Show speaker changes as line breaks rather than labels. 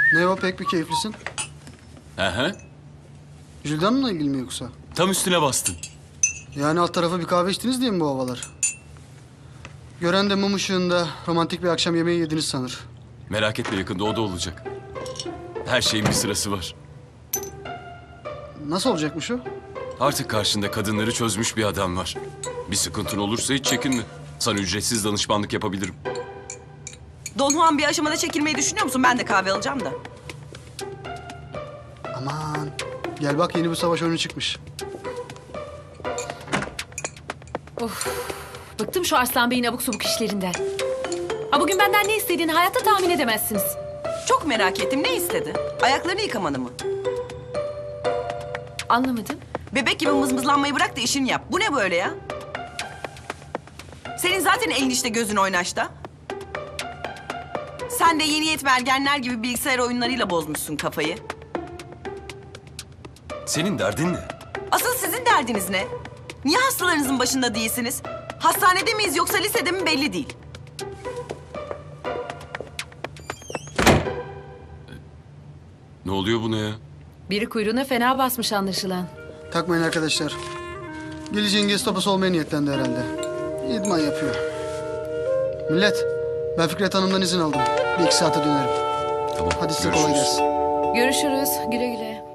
Ne o, pek bir keyiflisin.
Aha,
Jülden'le ilgili mi yoksa?
tam üstüne bastın.
Yani alt tarafa bir kahve içtiniz diye mi bu havalar? Gören de mum ışığında romantik bir akşam yemeği yediniz sanır.
Merak etme, yakında o da olacak. Her şeyin bir sırası var.
Nasıl olacakmış o?
Artık karşında kadınları çözmüş bir adam var. Bir sıkıntın olursa hiç çekinme. Sana ücretsiz danışmanlık yapabilirim.
Don Juan bir aşamada çekilmeyi düşünüyor musun? Ben de kahve alacağım da.
Aman. Gel bak, yeni bir savaş oyunu çıkmış.
Bıktım şu Arslan Bey'in abuk subuk işlerinden. Ha, bugün benden ne istediğini hayatta tahmin edemezsiniz.
Çok merak ettim. Ne istedi? Ayaklarını yıkamanı mı?
Anlamadım.
Bebek gibi mızmızlanmayı bırak da işini yap. Bu ne böyle ya? Senin zaten elin işte, gözün oynaşta. Sen de yeni yetme ergenler gibi bilgisayar oyunlarıyla bozmuşsun kafayı.
Senin derdin ne?
Asıl sizin derdiniz ne? Niye hastalarınızın başında değilsiniz? Hastanede miyiz yoksa lisede mi belli değil.
Ne oluyor buna ya?
Biri kuyruğuna fena basmış anlaşılan.
Takmayın arkadaşlar. Geleceğin Gestapos olmaya niyetlendi herhalde. İdman yapıyor. Millet, ben Fikret Hanım'dan izin aldım. Bir iki saate dönerim.
Tamam,
Hadi size kolay
görüşürüz.
gelsin.
Görüşürüz. Güle güle.